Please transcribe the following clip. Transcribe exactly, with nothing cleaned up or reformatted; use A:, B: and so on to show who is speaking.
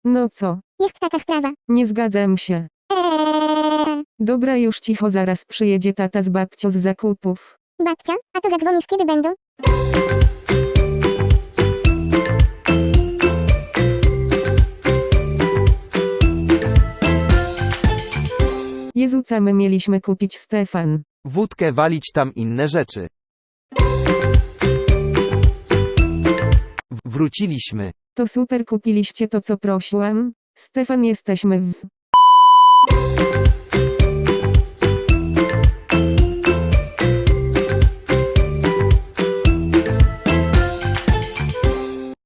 A: No co?
B: Jest taka sprawa.
A: Nie zgadzam się.
B: Eee,
A: Dobra, już cicho, zaraz przyjedzie tata z babcią z zakupów.
B: babcia, a to zadzwonisz kiedy będą?
A: Jezu, co my mieliśmy kupić, Stefan?
C: Wódkę walić, tam inne rzeczy. W- wróciliśmy.
A: To super, kupiliście to, co prosiłam? Stefan, jesteśmy w...